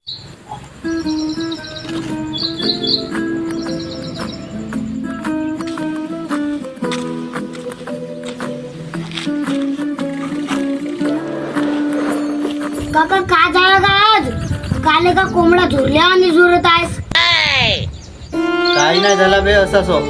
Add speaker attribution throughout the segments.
Speaker 1: काका काय झालं का आज? काले का कोंबडा झुरल्या आणि झुरत आहेस?
Speaker 2: काही नाही झाला बे, असाच हो.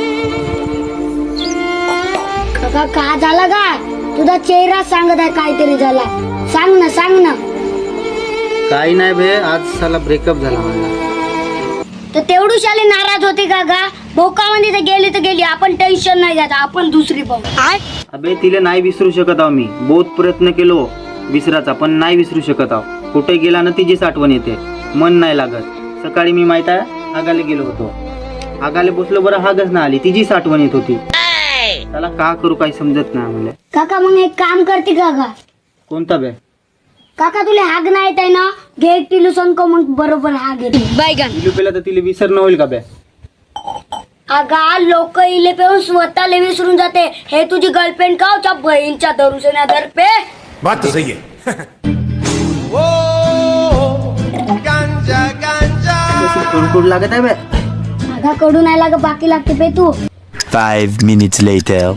Speaker 1: काका काय झालं का? तुझा चेहरा सांगत आहे काहीतरी झाला. सांग ना.
Speaker 2: काही नाही बे, आज साला ब्रेकअप झाला मला.
Speaker 1: तर तेवढी शाली नाराज होती काका. भोकामध्ये तर गेली. आपण टेन्शन नाही घ्यायचं, आपण दुसरी पाहू.
Speaker 2: अबे तिला नाही विसरू शकत आहो मी. बहुत प्रयत्न केलो विसराचा, पण नाही विसरू शकत आहो. कुठे गेला ना तिचीच आठवण येते, मन नाही लागत. सकाळी मी माहित आहे हागाले गेलो होतो. हागाले बसलो बरं, हागच ना आली, तिचीच आठवण येत होती. त्याला का करू काही समजत नाही मला.
Speaker 1: काका मग एक काम करते काका.
Speaker 2: कोणता बे?
Speaker 1: काका तुला हाग नाही येत आहे ना, घे एक टिलू संको, मग बरोबर हाग येते.
Speaker 2: तिलू पेला तर तिला विसरणं होईल का बे?
Speaker 1: अगा लोक इले पेऊन स्वतःला विसरून जाते. हे तुझी गर्लफ्रेंड का होच्या बहीणच्या दरुसण्या दरपे.
Speaker 3: बात तो सही है.
Speaker 2: कुडकुड लागत आहे बे.
Speaker 1: अगा कडू नाही लाग, बाकी लागते पे तू.
Speaker 4: 5 minutes later.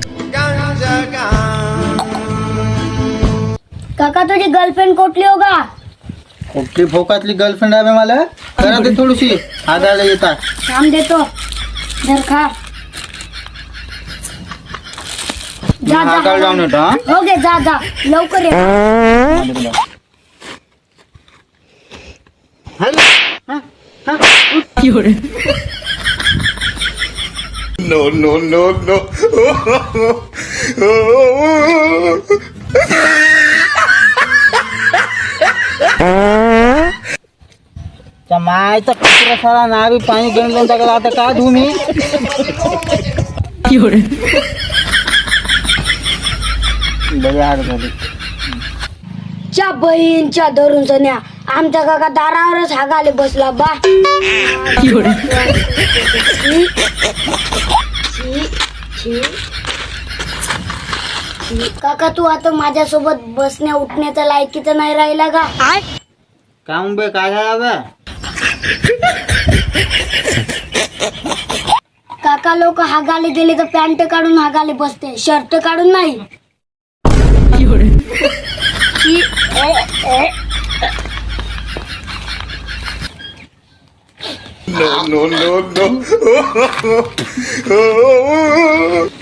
Speaker 1: काका तुझी गर्लफ्रेंड कुठली हो का?
Speaker 2: कुठली भोकातली गर्लफ्रेंड आहे बे मला? करा ते थोडीशी हागायला येतात.
Speaker 1: काम देतो, धर खा. जा
Speaker 2: हागायला जाऊन येतो हा.
Speaker 1: हो गे, जा लवकर ये.
Speaker 3: No.
Speaker 2: मायचा कुत्रा सारा नावी पाणी गणलं टाकला. आता का धू मी?
Speaker 1: च्या बहीणच्या धरून सन्या आमच्या काका दारावरच हागाले बसला बा. काका तू आता माझ्यासोबत बसण्या उठण्याचा लायकीचा नाही राहिला का?
Speaker 2: काम बे काय झाला बे?
Speaker 1: काका लोक हागाले गेले तर पॅन्ट काढून हागाले बसते, शर्ट काढून नाही.
Speaker 3: No.